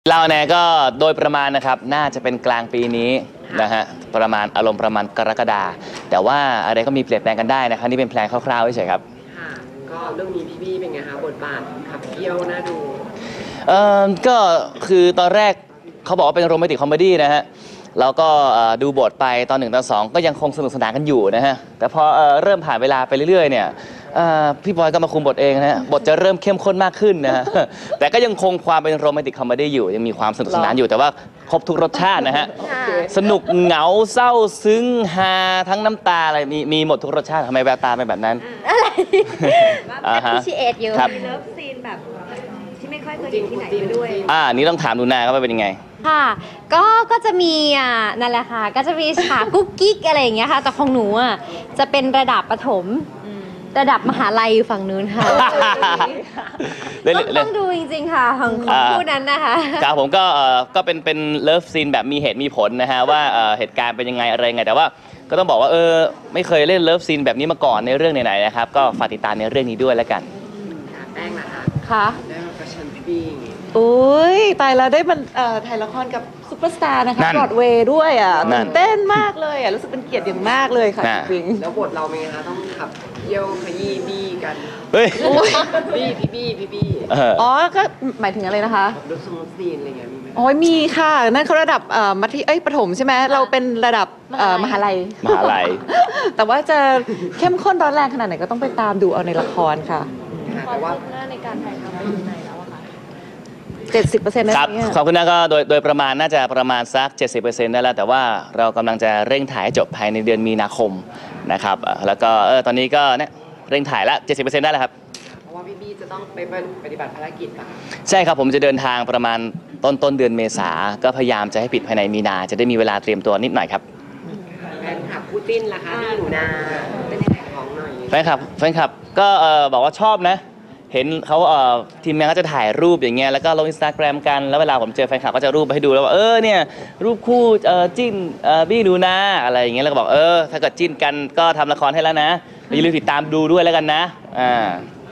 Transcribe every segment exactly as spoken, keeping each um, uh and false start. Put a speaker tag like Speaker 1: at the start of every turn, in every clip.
Speaker 1: เราเนี่ยก็โดยประมาณนะครับน่าจะเป็นกลางปีนี้นะฮะประมาณอารมณ์ประมาณกรกฎาแต่ว่าอะไรก็มีเปลี่ยนแปลงกันได้นะครับนี่เป็นแพลนคร่าวๆเฉยๆครับ
Speaker 2: ค่ะก็เรื่องนี้พี่บี้เป็นไงคะบทบาทขับเคี่ยวน่าดู
Speaker 1: เออก็คือตอนแรกเขาบอกว่าเป็นโรแมนติกคอมเมดี้นะฮะเราก็ดูบทไปตอนหนึ่งตอนสองก็ยังคงสนุกสนานกันอยู่นะฮะแต่พอเริ่มผ่านเวลาไปเรื่อยๆเนี่ยพี่บอยก็มาคุมบทเองนะฮะบทจะเริ่มเข้มข้นมากขึ้นนะฮะแต่ก็ยังคงความเป็นโรแมนติกคอมเมดี้อยู่ยังมีความสนุกสนานอยู่แต่ว่าครบทุกรสชาตินะฮะสนุกเหงาเศร้าซึ้งฮาทั้งน้ำตาอะไรมีมีหมดทุกรสชาติทำไมแววตาเป็นแบบนั้น
Speaker 3: อะไร
Speaker 1: อ่าฮะ
Speaker 3: ชีเอทอยู่
Speaker 4: มีเลิฟซีนแบบที่ไม่ค่อยเคยเห็นที่ไหนด้วย
Speaker 1: อ่านี้ต้องถามดูนาครับว่าเป็นยังไง
Speaker 3: ค่ะก็ก็จะมีอ่ะนั่นแหละค่ะก็จะมีฉากกุ๊กกิ๊กอะไรอย่างเงี้ยค่ะแต่ของหนูอ่ะจะเป็นระดับประถมระดับมหาลัยฝั่งนู้นค่ะต้องต้องดูจริงๆค่ะของคู่นั้นนะคะ
Speaker 1: ครับผมก็ก็เป็นเป็นเลิฟซีนแบบมีเหตุมีผลนะฮะว่าเหตุการณ์เป็นยังไงอะไรไงแต่ว่าก็ต้องบอกว่าเออไม่เคยเล่นเลิฟซีนแบบนี้มาก่อนในเรื่องไหนๆนะครับก็ฝากติดตามในเรื่องนี้ด้วยแล้วกัน
Speaker 2: แป้งนะคะ
Speaker 3: ค่ะ
Speaker 2: ได้มาประชันพี่บี้
Speaker 4: โอ้ยตายแล้วได้มันถ่ายละครกับซุปเปอร์สตาร์นะคะบรอดเวย์ด้วยอ่ะตื่นเต้นมากเลยอ่ะรู้สึกเป็นเกียรติอย่างมากเลยค่ะจริง
Speaker 2: แล้วบทเราเป็นไงคะต้องขับเยี่ยวขยี้บี้กัน
Speaker 1: เฮ้ย
Speaker 2: บี้พี่บี้พี่บี้
Speaker 4: อ๋อก็หมายถึงอะไรนะคะ
Speaker 2: ดูสมูทซีนอะไรเงี้ยมีไหม
Speaker 4: โอ้ยมีค่ะนั่นเขาระดับมัธยมเอ้ยประถมใช่ไหมเราเป็นระดับมหาลัย
Speaker 1: มหาลัย
Speaker 4: แต่ว่าจะเข้มข้นร้อนแรงขนาดไหนก็ต้องไปตามดูเอาในละครค่ะ
Speaker 2: แต่ว่า
Speaker 4: ในการถ่ายทำไปถึงไหนแล้วอะคะเจ็ดสิบเปอร์เซ็นต์
Speaker 1: ครับขอบคุณนะก็โดยโดยประมาณน่าจะประมาณสัก เจ็ดสิบเปอร์เซ็นต์ ได้แล้วแต่ว่าเรากำลังจะเร่งถ่ายให้จบภายในเดือนมีนาคมนะครับแล้วก็เออตอนนี้ก็เนี่ยเร่งถ่ายละ เจ็ดสิบเปอร์เซ็นต์ ได้แล้วครับ
Speaker 2: เพราะว่าพี่บี้จะต้องไปปฏิบัติภารกิจป่ะ
Speaker 1: ใช่ครับผมจะเดินทางประมาณต้นต้นเดือนเมษาก็พยายามจะให้ปิดภายในมีนาจะได้มีเวลาเตรียมตัวนิดหน่อยครับ
Speaker 2: แฟนคลับคู่จิ้นล่ะคะพี่หนูนาเป็นยังไงของหน่อย
Speaker 1: แฟนคลับแฟนคลับก็เออบอกว่าชอบนะเห็นเขาเอ่อทีมงานก็จะถ่ายรูปอย่างเงี้ยแล้วก็ลงอินสตาแกรมกันแล้วเวลาผมเจอแฟนคลับก็จะรูปให้ดูแล้วว่าเออเนี่ยรูปคู่เอ่อจิ้นเอ่อบี้ดูนะอะไรอย่างเงี้ยแล้วก็บอกเออถ้าเกิดจิ้นกันก็ทำละครให้แล้วนะอย่าลืมติดตามดูด้วยแล้วกันนะอ่า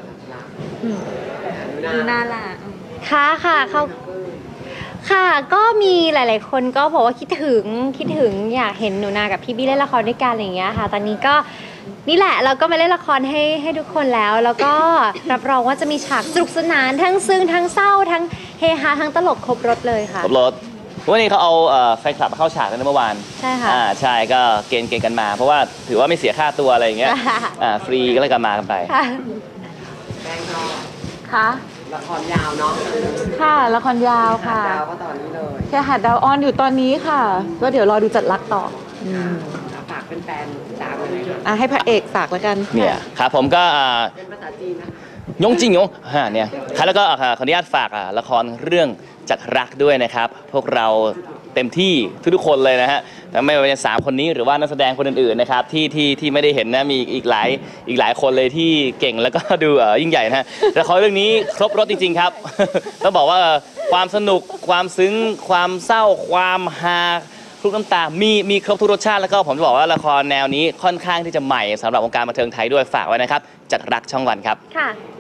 Speaker 3: ดูน่ารักค่ะค่ะเขาค่ะก็มีหลายๆคนก็บอกว่าคิดถึงคิดถึงอยากเห็นหนูนากับพี่บี้เล่นละครด้วยกันอะไรอย่างเงี้ยค่ะตอนนี้ก็นี่แหละเราก็มาเล่นละครให้ให้ทุกคนแล้วแล้วก็รับรองว่าจะมีฉากสนุกสนานทั้งซึ้งทั้งเศร้าทั้งเฮฮาทั้งตลกครบรถเลยค่ะ
Speaker 1: ครบรถวันนี้เขาเอาแฟนคลับมาเข้าฉากกันเมื่อวาน
Speaker 3: ใช่ค่ะ
Speaker 1: อ่าใช่ก็เกณฑ์เกณฑ์กันมาเพราะว่าถือว่าไม่เสียค่าตัวอะไรอย่างเงี้ยอ่าฟรีก็เลยกันมากันไป
Speaker 2: แป้งก็
Speaker 4: ค่ะ
Speaker 2: ละครยาวเนาะ
Speaker 4: ค่ะละครยาวค่ะ
Speaker 2: ดาวก็ตอนนี้เลย
Speaker 4: แค่หาดดาวออนอยู่ตอนนี้ค่ะก็เดี๋ยวรอดูจัดรักต่อ
Speaker 2: ฝากเป็นแฟนตามเลย
Speaker 4: อ่ะให้พระเอกฝากแล้วกัน
Speaker 1: เนี่ยครับผมก็
Speaker 2: เป็นภาษาจีนนะ
Speaker 1: ยงจริงยงฮะเนี่ยครับแล้วก็ขออนุญาตฝากละครเรื่องจัดรักด้วยนะครับพวกเราเต็มที่ทุกๆคนเลยนะฮะทั้งไม่ว่าจะสามคนนี้หรือว่านักแสดงคนอื่นๆนะครับที่ที่ที่ไม่ได้เห็นนะมีอีกหลายอีกหลายคนเลยที่เก่งแล้วก็ดูยิ่งใหญ่นะฮะละครเรื่องนี้ครบรถจริงๆครับต้องบอกว่าความสนุกความซึ้งความเศร้าความฮาทุกน้ำตามีมีครบทุกรสชาติแล้วก็ผมจะบอกว่าละครแนวนี้ค่อนข้างที่จะใหม่สำหรับวงการบันเทิงไทยด้วยฝากไว้นะครับจัดรักช่องวันครับ
Speaker 3: ค่ะ